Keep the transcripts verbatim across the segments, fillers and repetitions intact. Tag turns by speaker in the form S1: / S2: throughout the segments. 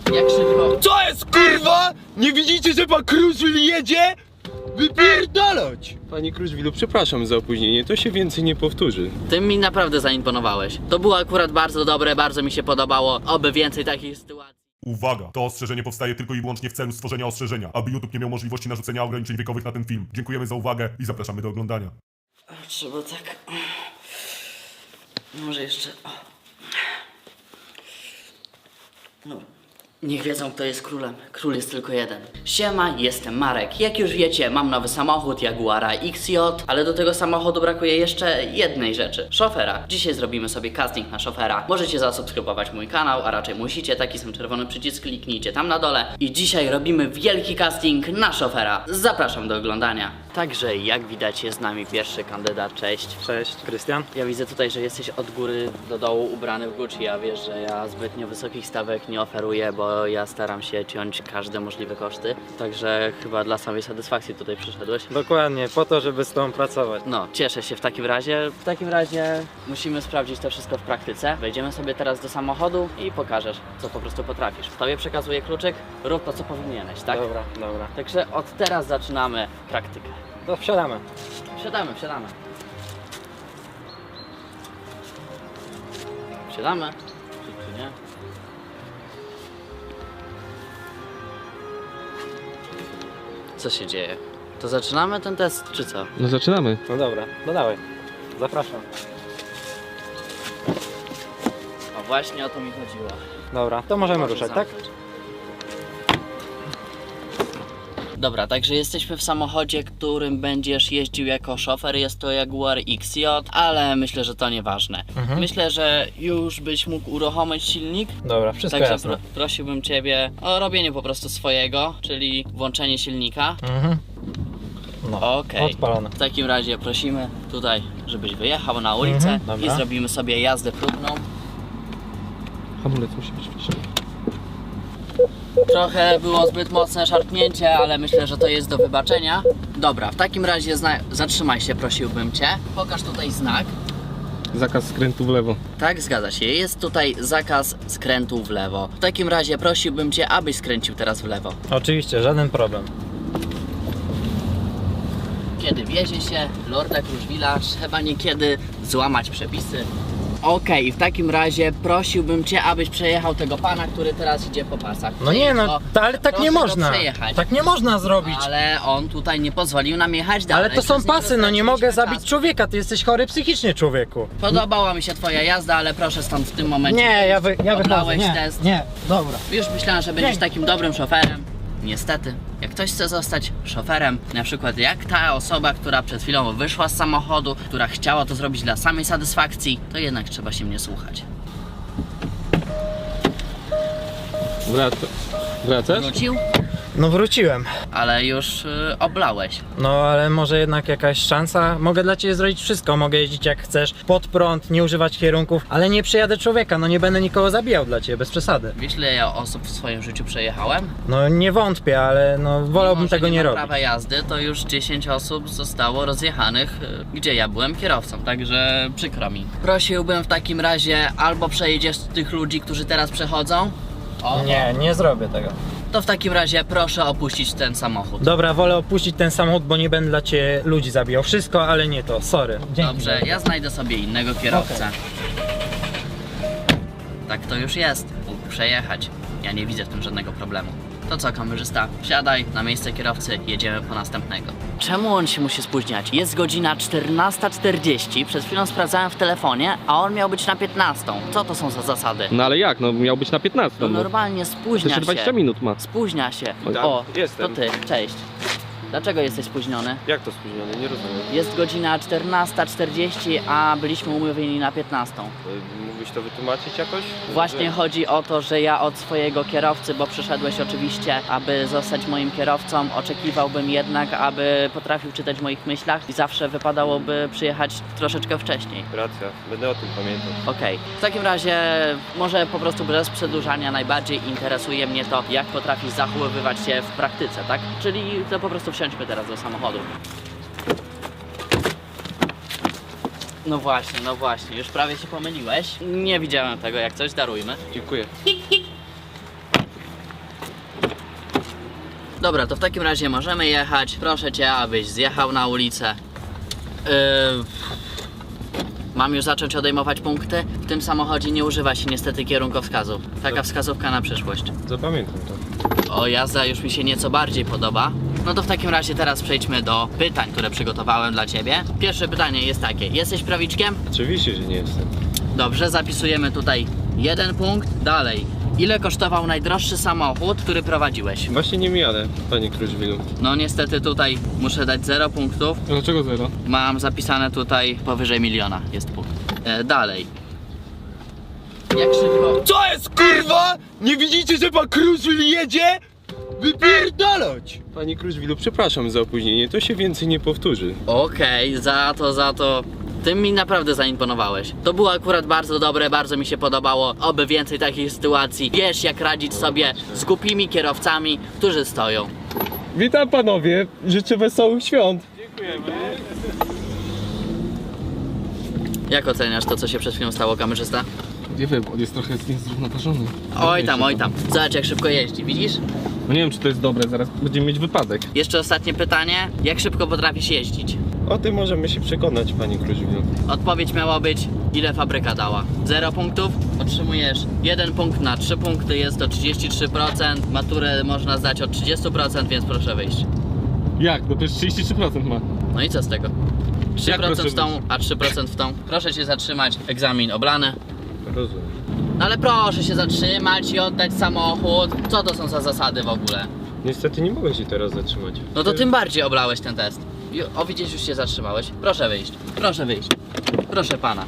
S1: Jak szybko?
S2: Co jest, kurwa? Nie widzicie, że pan Kruszwil jedzie? Wypierdalać!
S3: Panie Kruszwilu, przepraszam za opóźnienie, to się więcej nie powtórzy.
S1: Ty mi naprawdę zaimponowałeś. To było akurat bardzo dobre, bardzo mi się podobało. Oby więcej takich sytuacji.
S4: Uwaga! To ostrzeżenie powstaje tylko i wyłącznie w celu stworzenia ostrzeżenia, aby YouTube nie miał możliwości narzucenia ograniczeń wiekowych na ten film. Dziękujemy za uwagę i zapraszamy do oglądania.
S1: Trzeba tak... Może jeszcze... O. No. Niech wiedzą, kto jest królem. Król jest tylko jeden. Siema, jestem Marek. Jak już wiecie, mam nowy samochód Jaguara X J, ale do tego samochodu brakuje jeszcze jednej rzeczy. Szofera. Dzisiaj zrobimy sobie casting na szofera. Możecie zasubskrybować mój kanał, a raczej musicie. Taki sam czerwony przycisk, kliknijcie tam na dole. I dzisiaj robimy wielki casting na szofera. Zapraszam do oglądania. Także jak widać, jest z nami pierwszy kandydat. Cześć.
S5: Cześć, Krystian.
S1: Ja widzę tutaj, że jesteś od góry do dołu ubrany w Gucci, a wiesz, że ja zbytnio wysokich stawek nie oferuję, bo ja staram się ciąć każde możliwe koszty. Także chyba dla samej satysfakcji tutaj przyszedłeś.
S5: Dokładnie, po to, żeby z tobą pracować.
S1: No, cieszę się w takim razie. W takim razie musimy sprawdzić to wszystko w praktyce. Wejdziemy sobie teraz do samochodu i pokażesz, co po prostu potrafisz. Tobie przekazuję kluczyk, rób to, co powinieneś, tak?
S5: Dobra, dobra.
S1: Także od teraz zaczynamy praktykę.
S5: To wsiadamy.
S1: Wsiadamy, wsiadamy. Wsiadamy? Czy, czy nie? Co się dzieje? To zaczynamy ten test, czy co?
S3: No zaczynamy.
S5: No dobra, no dawaj. Zapraszam.
S1: O, właśnie o to mi chodziło.
S5: Dobra, to możemy
S1: Może
S5: ruszać, tak?
S1: zamknąć. Dobra, także jesteśmy w samochodzie, którym będziesz jeździł jako szofer. Jest to Jaguar X J, ale myślę, że to nieważne.
S5: Mhm.
S1: Myślę, że już byś mógł uruchomić silnik.
S5: Dobra, wszystko
S1: Także
S5: jasne.
S1: pro, prosiłbym Ciebie o robienie po prostu swojego, czyli włączenie silnika.
S5: Mhm. No,
S1: Okej.
S5: odpalone.
S1: W takim razie prosimy tutaj, żebyś wyjechał na ulicę
S5: Mhm,
S1: i
S5: dobra.
S1: zrobimy sobie jazdę próbną.
S3: Hamulec musi być wciśnięty.
S1: Trochę było zbyt mocne szarpnięcie, ale myślę, że to jest do wybaczenia. Dobra, w takim razie zna- zatrzymaj się, prosiłbym Cię. Pokaż tutaj znak.
S3: Zakaz skrętu w lewo.
S1: Tak, zgadza się. Jest tutaj zakaz skrętu w lewo. W takim razie prosiłbym Cię, abyś skręcił teraz w lewo.
S5: Oczywiście, żaden problem.
S1: Kiedy wiezie się Lorda Kruszwila, trzeba niekiedy złamać przepisy. Okej, w takim razie prosiłbym Cię, abyś przejechał tego pana, który teraz idzie po pasach.
S5: No nie no,
S1: Przejedź go.
S5: ta, ale tak
S1: Proszę
S5: nie
S1: go
S5: można.
S1: przejechać.
S5: Tak nie można zrobić.
S1: Ale on tutaj nie pozwolił nam jechać dalej.
S5: Ale to są
S1: Przez niego
S5: pasy, no nie mogę
S1: straciliśmy
S5: zabić
S1: czas.
S5: człowieka, ty jesteś chory psychicznie, człowieku.
S1: Podobała mi się Twoja jazda, ale proszę stąd w tym momencie.
S5: Nie, ja, wy, ja wychodzę,
S1: Oblałeś
S5: nie,
S1: test.
S5: nie, dobra.
S1: Już myślałem, że będziesz
S5: Nie.
S1: takim dobrym szoferem. Niestety, jak ktoś chce zostać szoferem, na przykład jak ta osoba, która przed chwilą wyszła z samochodu, która chciała to zrobić dla samej satysfakcji, to jednak trzeba się mnie słuchać.
S3: Wraca. Wracasz?
S1: Wrócił?
S5: No wróciłem.
S1: Ale już y, oblałeś.
S5: No ale może jednak jakaś szansa? Mogę dla ciebie zrobić wszystko, mogę jeździć jak chcesz, pod prąd, nie używać kierunków, ale nie przejadę człowieka, no nie będę nikogo zabijał dla ciebie, bez przesady.
S1: Wiesz, ile ja osób w swoim życiu przejechałem?
S5: No nie wątpię, ale no wolałbym
S1: Mimo, że
S5: tego nie,
S1: nie mam
S5: robić.
S1: prawa jazdy, to już dziesięć osób zostało rozjechanych, y, gdzie ja byłem kierowcą, także przykro mi. Prosiłbym w takim razie albo przejedziesz tych ludzi, którzy teraz przechodzą. O,
S5: Nie, nie zrobię tego.
S1: To w takim razie proszę opuścić ten samochód.
S5: Dobra, wolę opuścić ten samochód, bo nie będę dla ciebie ludzi zabijał. Wszystko, ale nie to, sorry. Dzięki.
S1: Dobrze, ja znajdę sobie innego kierowcę. Tak to już jest. Mógł przejechać. Ja nie widzę w tym żadnego problemu. To co, kamerzysta? Wsiadaj na miejsce kierowcy, jedziemy po następnego. Czemu on się musi spóźniać? Jest godzina czternasta czterdzieści, przed chwilą sprawdzałem w telefonie, a on miał być na piętnastą. Co to są za zasady?
S3: No ale jak? No miał być na
S1: No
S3: piętnastą. No.
S1: normalnie spóźnia
S3: Jeszcze
S1: się.
S3: dwadzieścia minut ma.
S1: Spóźnia się.
S3: Tak,
S1: O,
S3: jestem.
S1: to ty, cześć. Dlaczego jesteś spóźniony?
S3: Jak to spóźniony? Nie rozumiem.
S1: Jest godzina czternasta czterdzieści, a byliśmy umówieni na piętnastą.
S3: Mógłbyś to wytłumaczyć jakoś?
S1: Właśnie chodzi o to, że ja od swojego kierowcy, bo przyszedłeś oczywiście, aby zostać moim kierowcą, oczekiwałbym jednak, aby potrafił czytać w moich myślach i zawsze wypadałoby przyjechać troszeczkę wcześniej.
S3: Racja, będę o tym pamiętał.
S1: Okej, w takim razie może po prostu bez przedłużania najbardziej interesuje mnie to, jak potrafisz zachowywać się w praktyce, tak? Czyli to po prostu wsiądźmy teraz do samochodu. No właśnie, no właśnie, już prawie się pomyliłeś. Nie widziałem tego, jak coś, darujmy.
S3: Dziękuję.
S1: Dobra, to w takim razie możemy jechać. Proszę cię, abyś zjechał na ulicę. Yy... Mam już zacząć odejmować punkty? W tym samochodzie nie używa się niestety kierunkowskazów. Taka wskazówka na przyszłość.
S3: Zapamiętam to.
S1: O, jazda już mi się nieco bardziej podoba. No to w takim razie teraz przejdźmy do pytań, które przygotowałem dla ciebie. Pierwsze pytanie jest takie. Jesteś prawiczkiem?
S3: Oczywiście, że nie jestem.
S1: Dobrze, zapisujemy tutaj jeden punkt. Dalej. Ile kosztował najdroższy samochód, który prowadziłeś?
S3: Właśnie nie jadę, panie Kruszwilu.
S1: No niestety tutaj muszę dać zero punktów.
S3: Dlaczego zero?
S1: Mam zapisane tutaj powyżej miliona jest punkt. E, dalej. Jak szybko...
S2: Co jest kurwa? Nie widzicie, że pan Kruszwil jedzie? Wypierdalać!
S3: Panie Kruszwilu, przepraszam za opóźnienie, to się więcej nie powtórzy.
S1: Okej, za to, za to. Ty mi naprawdę zaimponowałeś. To było akurat bardzo dobre, bardzo mi się podobało. Oby więcej takich sytuacji. Wiesz, jak radzić sobie z głupimi kierowcami, którzy stoją.
S3: Witam panowie, życzę wesołych świąt.
S1: Jak oceniasz to, co się przed chwilą stało, kamerzysta?
S6: Nie wiem, on jest trochę niezrównoważony.
S1: Oj tam, oj tam. Zobacz, jak szybko jeździ, widzisz?
S6: No nie wiem, czy to jest dobre, zaraz będziemy mieć wypadek.
S1: Jeszcze ostatnie pytanie. Jak szybko potrafisz jeździć?
S3: O tym możemy się przekonać, panie Kruszwilu.
S1: Odpowiedź miała być, ile fabryka dała. Zero punktów, otrzymujesz jeden punkt na trzy punkty, jest to trzydzieści trzy procent. Maturę można zdać od trzydziestu procent, więc proszę wyjść.
S6: Jak? No to już trzydzieści trzy procent ma.
S1: No i co z tego? trzy
S6: Jak
S1: procent
S6: proszę
S1: w tą, a trzy procent w tą. Proszę się zatrzymać, egzamin oblany.
S3: Rozumiem.
S1: No ale proszę się zatrzymać i oddać samochód. Co to są za zasady w ogóle?
S3: Niestety nie mogę się teraz zatrzymać.
S1: No to tym bardziej oblałeś ten test. I- O, widzisz, już się zatrzymałeś. Proszę wyjść, proszę wyjść. Proszę pana.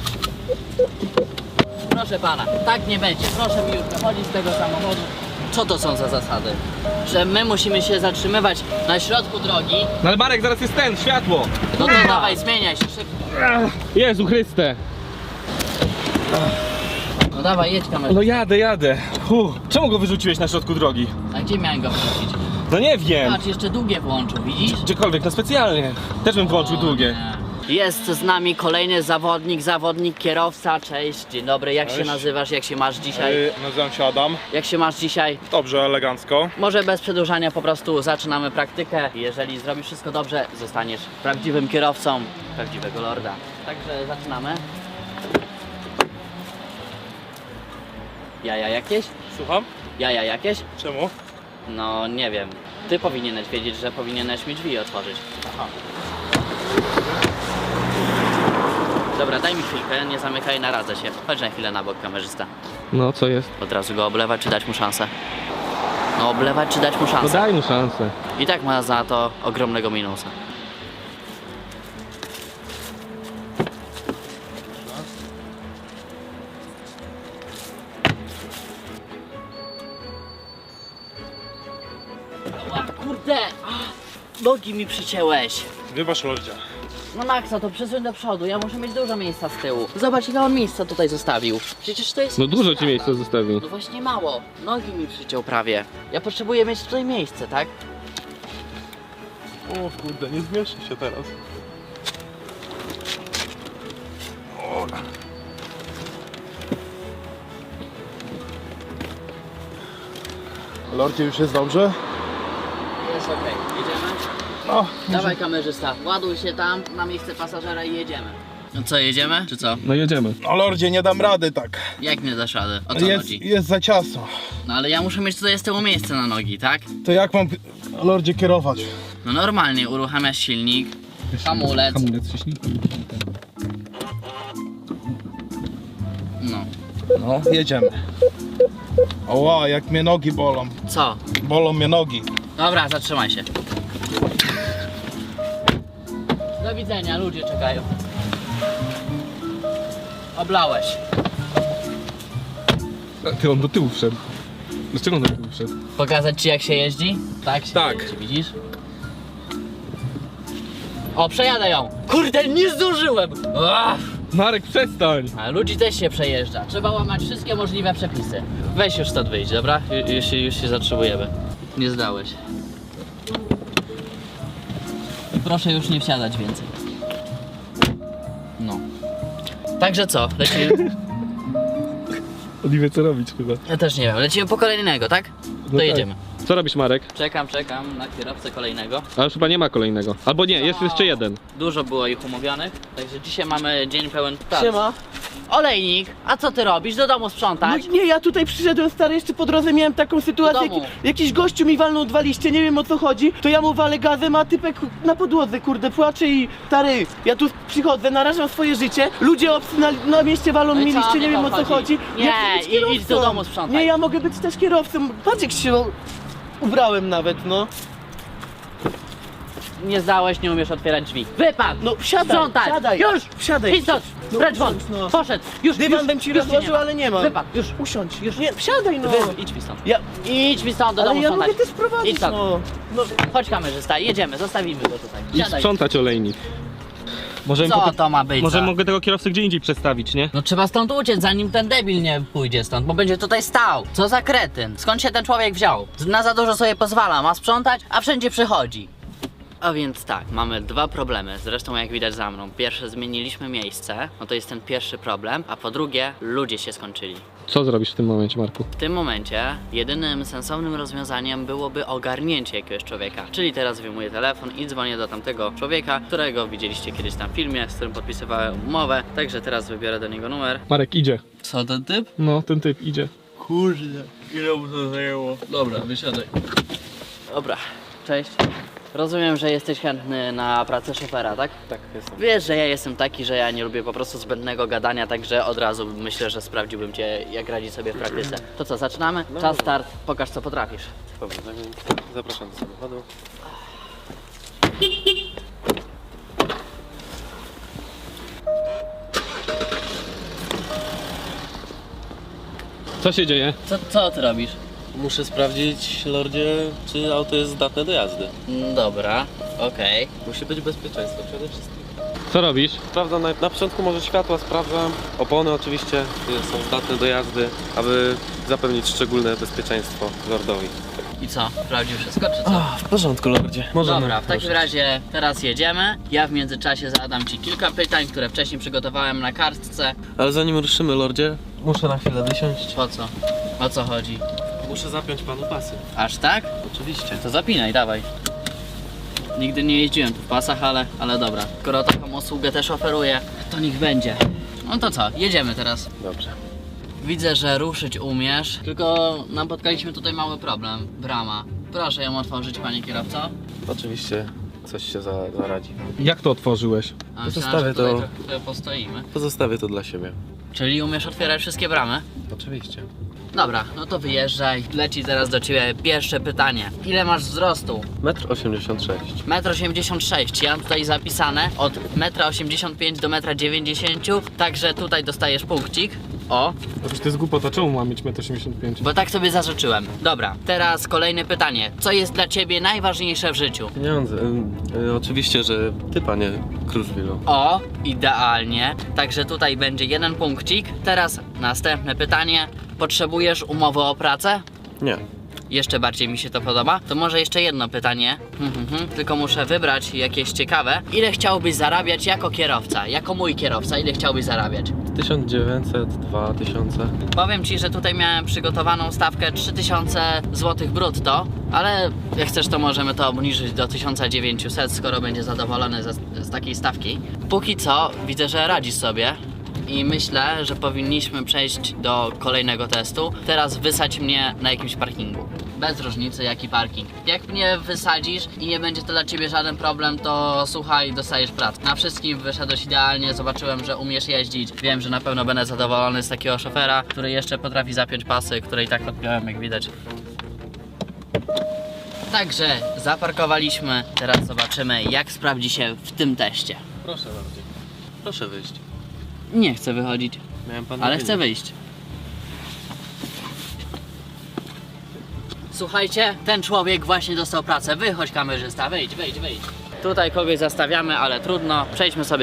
S1: Proszę pana, tak nie będzie. Proszę mi już wychodzić z tego samochodu. Co to są za zasady? Że my musimy się zatrzymywać na środku drogi.
S6: No ale Marek, zaraz jest ten, światło!
S1: No to dawaj, zmieniaj się szybko.
S6: Jezu Chryste!
S1: No dawaj, jedź kamerę.
S6: No jadę, jadę. Huh. Czemu go wyrzuciłeś na środku drogi?
S1: A gdzie miałem go wrócić?
S6: No nie wiem.
S1: Patrz, jeszcze długie włączył, widzisz?
S6: Gdziekolwiek, no specjalnie. Też bym włączył
S1: O
S6: długie.
S1: nie. Jest z nami kolejny zawodnik, zawodnik kierowca. Cześć, dzień dobry, jak się
S7: Cześć.
S1: nazywasz, jak się masz dzisiaj?
S7: Yy, nazywam się Adam.
S1: Jak się masz dzisiaj?
S7: Dobrze, elegancko.
S1: Może bez przedłużania po prostu zaczynamy praktykę. Jeżeli zrobisz wszystko dobrze, zostaniesz prawdziwym kierowcą prawdziwego lorda. Także zaczynamy. Jaja jakieś?
S7: Słucham?
S1: Jaja jakieś?
S7: Czemu?
S1: No nie wiem. Ty powinieneś wiedzieć, że powinieneś mi drzwi otworzyć.
S7: Aha.
S1: Dobra, daj mi chwilkę, nie zamykaj, naradzę się. Chodź na chwilę na bok, kamerzysta.
S6: No co jest?
S1: Od razu go oblewać, czy dać mu szansę? No oblewać, czy dać mu
S6: No
S1: szansę?
S6: daj mu szansę.
S1: I tak ma za to ogromnego minusa. O, kurde! Ah, nogi mi przycięłeś.
S7: Wybacz, Lordzie.
S1: No Maxa, to przesuń do przodu, ja muszę mieć dużo miejsca z tyłu. Zobacz, ile on miejsca tutaj zostawił. Przecież to jest...
S6: No dużo ci
S1: sprawa.
S6: miejsca zostawił.
S1: No właśnie mało. Nogi mi przyciął prawie. Ja potrzebuję mieć tutaj miejsce, tak?
S7: O kurde, nie zmieszczę się teraz. Lordzie, już jest dobrze?
S1: Jest okej, jedziemy?
S7: No,
S1: Dawaj kamerzysta, ładuj się tam na miejsce pasażera i jedziemy. No co, jedziemy? Czy co?
S6: No jedziemy.
S7: no Lordzie, nie dam rady tak.
S1: Jak nie dasz rady? O co
S7: Jest,
S1: chodzi?
S7: jest za ciasno.
S1: No ale ja muszę mieć tutaj z tyłu miejsce na nogi, tak?
S7: To jak mam, Lordzie, kierować?
S1: No normalnie, uruchamiasz silnik, hamulec,
S6: Hamulec wciśnij.
S1: no.
S7: No, jedziemy. Oła, jak mnie nogi bolą.
S1: Co?
S7: Bolą mnie nogi.
S1: Dobra, zatrzymaj się. Do widzenia, ludzie czekają. Oblałeś.
S6: Ty, on do tyłu wszedł. Dlaczego on do tyłu wszedł?
S1: Pokazać ci jak się jeździ? Tak się
S6: Tak.
S1: jeździ, widzisz? O, przejadę ją! Kurde, nie zdążyłem! Ach,
S6: Marek, przestań!
S1: a ludzi też się przejeżdża. Trzeba łamać wszystkie możliwe przepisy. Weź już stąd wyjdź, dobra? Ju- Już, się- już się zatrzymujemy. Nie zdałeś. Proszę już nie wsiadać więcej. No. Także co? Lecimy?
S6: On nie wie co robić chyba.
S1: Ja też nie wiem. Lecimy po kolejnego, tak? To
S6: tak.
S1: jedziemy.
S6: Co robisz, Marek?
S1: Czekam, czekam na kierowcę kolejnego.
S6: Ale już chyba nie ma kolejnego. Albo nie, jest jeszcze jeden.
S1: Dużo było ich umówionych, także dzisiaj mamy dzień pełen pracy.
S2: Siema.
S1: Olejnik, a co ty robisz? Do domu sprzątać?
S2: No nie, ja tutaj przyszedłem, stary, jeszcze po drodze miałem taką sytuację,
S1: Do domu.
S2: jaki, jakiś gościu mi walnął dwa liście, nie wiem o co chodzi, to ja mu walę gazem, a typek na podłodze, kurde, płacze i stary, ja tu przychodzę, narażam swoje życie, ludzie obcy na, na mieście walą
S1: No i
S2: mi
S1: co,
S2: liście, nie
S1: niech
S2: wiem
S1: on
S2: o co
S1: chodzi.
S2: chodzi.
S1: Nie,
S2: Ja chcę być
S1: i- idź
S2: kierowcą.
S1: do domu sprzątaj.
S2: Nie, ja mogę być też kierowcą, patrz jak się ubrałem nawet, no.
S1: Nie zdałeś, nie umiesz otwierać drzwi. Wypadł!
S2: No wsiadaj,
S1: Sprzątaj!
S2: wsiadaj.
S1: Już!
S2: Wsiadaj.
S1: Idź stąd!
S2: No,
S1: Precz won!
S2: usiądź, no.
S1: Poszedł! Już!
S2: Dywan
S1: już,
S2: bym ci
S1: już
S2: rozłożył,
S1: nie ma.
S2: ale nie mam.
S1: Wypadł! Już!
S2: Usiądź, już nie, wsiadaj no.
S1: Wy, idź mi stąd.
S2: Ja,
S1: Idź mi stąd do
S2: ale
S1: domu
S2: ja
S1: sprzątać.
S2: mogę też prowadzić,
S1: Idź stąd.
S2: no. no.
S1: Chodź kamerzysta, jedziemy, zostawimy go tutaj.
S6: I
S1: Siadaj.
S6: sprzątać, olejnik. Może,
S1: Co to ma być?
S6: może
S1: za-
S6: mogę tego kierowcę gdzie indziej przestawić, nie?
S1: No trzeba stąd uciec, zanim ten debil nie pójdzie stąd, bo będzie tutaj stał. Co za kretyn? Skąd się ten człowiek wziął? Na za dużo sobie pozwala, ma sprzątać, a wszędzie przychodzi. A więc tak, mamy dwa problemy, zresztą jak widać za mną. Pierwsze, zmieniliśmy miejsce, no to jest ten pierwszy problem, a po drugie, ludzie się skończyli.
S6: Co zrobisz w tym momencie, Marku?
S1: W tym momencie jedynym sensownym rozwiązaniem byłoby ogarnięcie jakiegoś człowieka. Czyli teraz wyjmuję telefon i dzwonię do tamtego człowieka, którego widzieliście kiedyś tam w filmie, z którym podpisywałem umowę. Także teraz wybiorę do niego numer.
S6: Marek idzie.
S1: Co ten typ?
S6: No, ten typ idzie.
S2: Kurde, ile mu to zajęło.
S1: Dobra, wysiadaj. Dobra, cześć. Rozumiem, że jesteś chętny na pracę szofera, tak?
S3: Tak, jestem.
S1: Wiesz, że ja jestem taki, że ja nie lubię po prostu zbędnego gadania, także od razu myślę, że sprawdziłbym cię, jak radzi sobie w praktyce. To co, zaczynamy? Czas start, pokaż co potrafisz.
S3: Dobra, zapraszam do samochodu.
S6: Co się dzieje?
S1: Co, co ty robisz?
S8: Muszę sprawdzić, lordzie, czy auto jest zdatne do jazdy.
S1: Mm, Dobra, okej.
S8: Musi być bezpieczeństwo przede wszystkim.
S6: Co robisz?
S8: Sprawdzam na, na początku może światła, sprawdzam. Opony oczywiście y, są zdatne do jazdy, aby zapewnić szczególne bezpieczeństwo lordowi.
S1: I co, sprawdził wszystko, czy co?
S8: w porządku, lordzie.
S1: Dobra, w takim razie teraz jedziemy. Ja w międzyczasie zadam ci kilka pytań, które wcześniej przygotowałem na kartce.
S8: Ale zanim ruszymy, lordzie, muszę na chwilę wysiąść.
S1: Po co? O co chodzi?
S8: Muszę zapiąć panu pasy.
S1: Aż tak?
S8: Oczywiście.
S1: To zapinaj, dawaj. Nigdy nie jeździłem tu w pasach, ale, ale dobra. Skoro taką usługę też oferuję, to niech będzie. No to co, jedziemy teraz.
S8: Dobrze.
S1: Widzę, że ruszyć umiesz, tylko napotkaliśmy tutaj mały problem. Brama. Proszę ją otworzyć, panie kierowco.
S8: Oczywiście coś się za, zaradzi.
S6: Jak to otworzyłeś?
S1: A myślałem,
S8: Zostawię
S1: że tutaj
S8: to-
S1: trochę postoimy.
S8: Pozostawię to dla siebie.
S1: Czyli umiesz otwierać wszystkie bramy?
S8: Oczywiście.
S1: Dobra, no to wyjeżdżaj. Leci zaraz do ciebie pierwsze pytanie. Ile masz wzrostu?
S8: metr osiemdziesiąt sześć.
S1: metr osiemdziesiąt sześć. Ja mam tutaj zapisane od metra osiemdziesiąt pięć do metra dziewięćdziesiąt. Także tutaj dostajesz punkcik. O,
S6: Otóż to jest głupota, czemu mam mieć metr osiemdziesiąt pięć?
S1: bo tak sobie zażyczyłem. Dobra, teraz kolejne pytanie. Co jest dla ciebie najważniejsze w życiu?
S8: Pieniądze. Y, y, oczywiście, że ty, panie Kruszwilu.
S1: O, idealnie. Także tutaj będzie jeden punkcik. Teraz następne pytanie. Potrzebujesz umowy o pracę?
S8: Nie.
S1: Jeszcze bardziej mi się to podoba. To może jeszcze jedno pytanie. Hmm, hmm, hmm. Tylko muszę wybrać jakieś ciekawe. Ile chciałbyś zarabiać jako kierowca? Jako mój kierowca, ile chciałbyś zarabiać?
S8: tysiąc dziewięćset, dwa tysiące.
S1: Powiem ci, że tutaj miałem przygotowaną stawkę trzy tysiące złotych brutto, ale jak chcesz, to możemy to obniżyć do tysiąc dziewięćset, skoro będzie zadowolony z, z takiej stawki. Póki co widzę, że radzisz sobie. I myślę, że powinniśmy przejść do kolejnego testu. Teraz wysadź mnie na jakimś parkingu. Bez różnicy jaki parking. Jak mnie wysadzisz i nie będzie to dla ciebie żaden problem, to słuchaj, dostajesz pracę. Na wszystkim wyszedłeś idealnie, zobaczyłem, że umiesz jeździć. Wiem, że na pewno będę zadowolony z takiego szofera, który jeszcze potrafi zapiąć pasy, które i tak odpiąłem, jak widać. Także zaparkowaliśmy. Teraz zobaczymy, jak sprawdzi się w tym teście.
S8: Proszę bardzo. Proszę wyjść.
S1: Nie chcę wychodzić,
S8: Miałem pan
S1: ale
S8: nadzieję.
S1: chcę wyjść. Słuchajcie, ten człowiek właśnie dostał pracę. Wychodź, kamerzysta, wyjdź, wyjdź, wyjdź. Tutaj kogoś zastawiamy, ale trudno. Przejdźmy sobie